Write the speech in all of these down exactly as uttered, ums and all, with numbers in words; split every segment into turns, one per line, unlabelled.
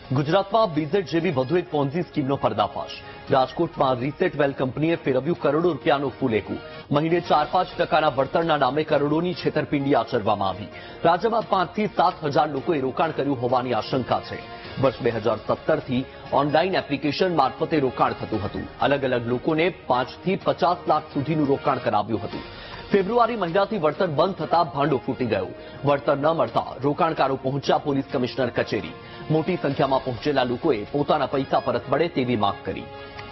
ગુજરાતમાં બીઝેડ જેવી વધુ એક પોન્ઝી સ્કીમનો પર્દાફાશ। રાજકોટમાં રીસેટ વેલ કંપનીએ ફેરવ્યું કરોડો રૂપિયાનું ફૂલેકું। મહિને ચાર પાંચ ટકાના વળતરના નામે કરોડોની છેતરપિંડી આચરવામાં આવી। રાજ્યમાં પાંચથી સાત હજાર લોકોએ રોકાણ કર્યું હોવાની આશંકા છે। વર્ષ બે હજાર સત્તરથી ઓનલાઈન એપ્લિકેશન મારફતે રોકાણ થતું હતું। અલગ અલગ લોકોને પાંચથી પચાસ લાખ સુધીનું રોકાણ કરાવ્યું હતું। ફેબ્રુઆરી મહિનાથી વળતર બંધ થતા ભાંડો ફૂટી ગયો। વળતર ન મળતા રોકાણકારો પહોંચ્યા પોલીસ કમિશનર કચેરી। મોટી સંખ્યામાં પહોંચેલા લોકોએ પોતાના પૈસા પરત મળે તેવી માંગ કરી।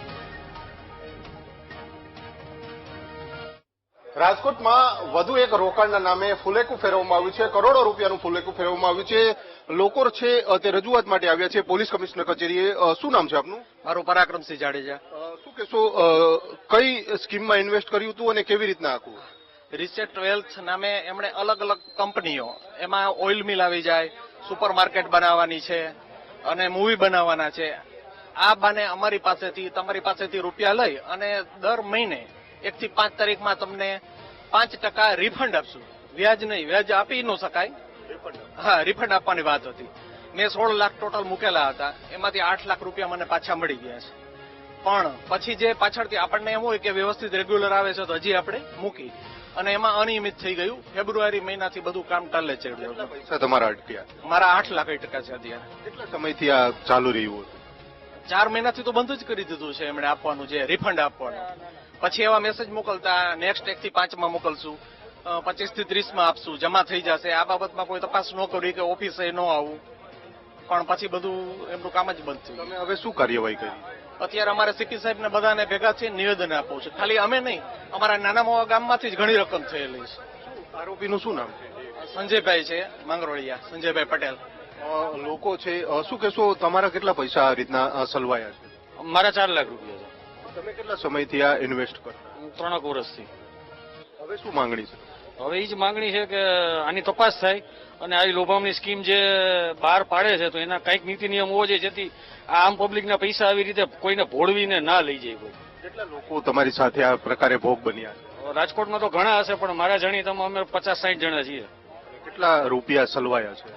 રાજકોટમાં વધુ એક રોકાણના નામે ફુલેકું ફેરવવામાં આવ્યું છે। કરોડો રૂપિયાનું ફુલેકું ફેરવવામાં આવ્યું છે। લોકો છે તે રજૂઆત માટે આવ્યા છે પોલીસ કમિશનર કચેરીએ। શું નામ છે આપનું?
મારું પરાક્રમસિંહ જાડેજા।
શું કહેશો, કઈ સ્કીમમાં ઇન્વેસ્ટ કર્યું હતું અને કેવી રીતના આખું?
રીસેટ વેલ્થ નામે એમણે અલગ અલગ કંપનીઓ, એમાં ઓઇલ મિલ આવી જાય, સુપર માર્કેટ બનાવવાની છે અને મૂવી બનાવવાના છે। આ બાને અમારી પાસેથી તમારી પાસેથી રૂપિયા લઈ અને દર મહિને એક થી પાંચ તારીખમાં તમને પાંચ ટકા રિફંડ આપશું। વ્યાજ નહીં, વ્યાજ આપી ન શકાય, હા રિફંડ આપવાની વાત હતી। મેં સોળ લાખ ટોટલ મૂકેલા હતા, એમાંથી આઠ લાખ રૂપિયા મને પાછા મળી ગયા છે। પણ પછી જે પાછળથી આપણને એમ હોય કે વ્યવસ્થિત રેગ્યુલર આવે છે તો હજી આપણે મૂકી, અને એમાં અનિયમિત થઈ ગયું। ફેબ્રુઆરી મહિનાથી બધું કામ ચાલે છે।
પૈસા તમારા અટક્યા?
મારા આઠ લાખ ટકા છે અત્યારે।
કેટલા સમયથી આ ચાલુ રહ્યું હતું?
ચાર મહિનાથી તો બંધ જ કરી દીધું છે એમણે આપવાનું, જે રિફંડ આપવાનું। પછી એવા મેસેજ મોકલતા, નેક્સ્ટ એક થી પાંચમાં મોકલશું, પચીસ થી ત્રીસ માં આપશું, જમા થઈ જશે। આ બાબતમાં કોઈ તપાસ ન કરી કે ઓફિસે ન આવું, પણ પછી બધું એમનું કામ જ બંધ થયું।
તમે હવે શું કાર્યવાહી કરી?
અત્યારે અમારે સીપી સાહેબ ને બધાને ભેગા થઈને નિવેદન આપવું છે। ખાલી અમે નહીં, અમારા નાના મોવા ગામમાંથી જ ઘણી રકમ થયેલી છે।
આરોપીનું શું નામ છે?
સંજયભાઈ છે, માંગરોળિયા, સંજયભાઈ પટેલ।
લોકો છે, શું કહેશો, તમારા કેટલા પૈસા આ રીતના સલવાયા છે?
મારા ચાર લાખ રૂપિયા છે।
તમે કેટલા સમયથી આ ઇન્વેસ્ટ કરો?
ત્રણેક વર્ષથી।
હવે શું માંગણી છે?
હવે એ જ માંગણી છે કે આની તપાસ થાય અને આવી લોભામણી સ્કીમ જે બહાર પાડે છે તો એના કંઈક નીતિ નિયમ હોવો જોઈએ, જેથી આમ પબ્લિકના પૈસા આવી રીતે કોઈને ભોળવીને ના લઈ જાય કોઈ।
કેટલા લોકો તમારી સાથે આ પ્રકારે ભોગ બન્યા છે?
રાજકોટમાં તો ઘણા હશે, પણ મારા જાણીતામાં અમે પચાસ સાઠ જણા છીએ।
કેટલા રૂપિયા સલવાયા છે?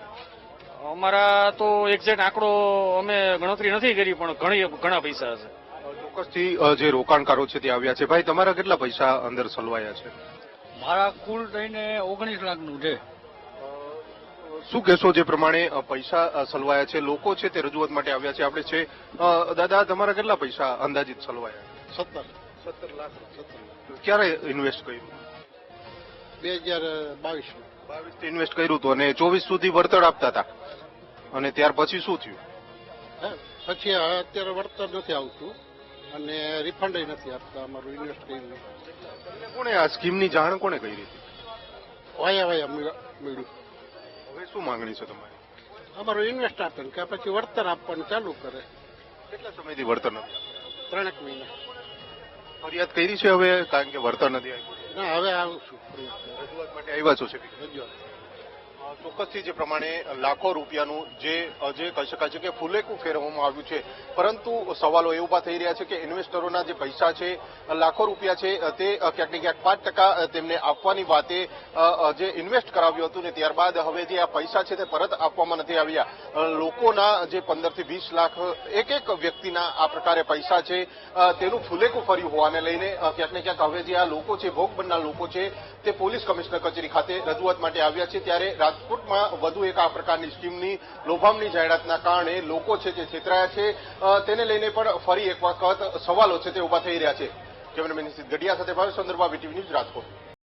અમારા તો એક્ઝેક્ટ આંકડો અમે ગણતરી નથી કરી, પણ ઘણી ઘણા પૈસા હશે।
ચોક્કસથી જે રોકાણકારો છે તે આવ્યા છે। ભાઈ, તમારા કેટલા પૈસા અંદર સલવાયા છે?
મારા કુલ થઈને ઓગણીસ લાખનું છે।
શું કહેશો, જે પ્રમાણે પૈસા સલવાયા છે, લોકો છે તે રજૂઆત માટે આવ્યા છે? આપણે છે દાદા, તમારા કેટલા પૈસા અંદાજિત સલવાયા?
સત્તર
સત્તર લાખ સત્તર ક્યારે ઇન્વેસ્ટ કર્યું?
બે હજાર બાવીસ
બાવીસ થી ઇન્વેસ્ટ કર્યું હતું અને ચોવીસ સુધી વળતર આપતા હતા, અને ત્યાર પછી શું થયું?
પછી અત્યારે વળતર નથી આવતું અને રિફંડ નથી આપતા અમારું ઇન્વેસ્ટ કર્યું।
કોણે આ સ્કીમની જાણ કોણે કરી હતી?
વાયા વાયા મળ્યું।
હવે શું માંગણી છે તમારી?
અમારું ઇન્વેસ્ટ આપે ને કે પછી વળતર આપવાનું ચાલુ કરે।
કેટલા સમયથી વળતર નથી આપતા?
ત્રણેક મહિના।
ફરિયાદ કરી છે હવે, કારણ કે વળતર નથી આપ્યું?
ના, હવે આવું છું
રજૂઆત માટે આવ્યા છો? છે
રજૂઆત।
ચોક્કસથી જે પ્રમાણે લાખો રૂપિયાનું જે જે કહી શકાય છે કે ફુલેકું ફેરવવામાં આવ્યું છે, પરંતુ સવાલો એ ઉભા થઈ રહ્યા છે કે ઇન્વેસ્ટરોના જે પૈસા છે, લાખો રૂપિયા છે, તે ક્યાંક ને ક્યાંક પાંચ ટકા તેમને આપવાની વાતે જે ઇન્વેસ્ટ કરાવ્યું હતું ને ત્યારબાદ હવે જે આ પૈસા છે તે પરત આપવામાં નથી આવ્યા। લોકોના જે પંદર થી વીસ લાખ એક એક વ્યક્તિના આ પ્રકારે પૈસા છે તેનું ફુલેકું ફર્યું હોવાને લઈને ક્યાંક ને ક્યાંક હવે જે આ લોકો છે, ભોગ બનનાર લોકો છે, તે પોલીસ કમિશનર કચેરી ખાતે રજૂઆત માટે આવ્યા છે। ત્યારે રાજકોટમાં વધુ એક આ પ્રકારની સ્કીમની લોભામણી જાહેરાતના કારણે લોકો છે જે છેતરાયા છે, તેને લઈને પણ ફરી એક વખત સવાલો છે તે ઉભા થઈ રહ્યા છે। કેમેરામેન નિશિત ગઢિયા સાથે ભાવેશ ચંદ્રબા, વીટીવી ન્યૂઝ, રાજકોટ।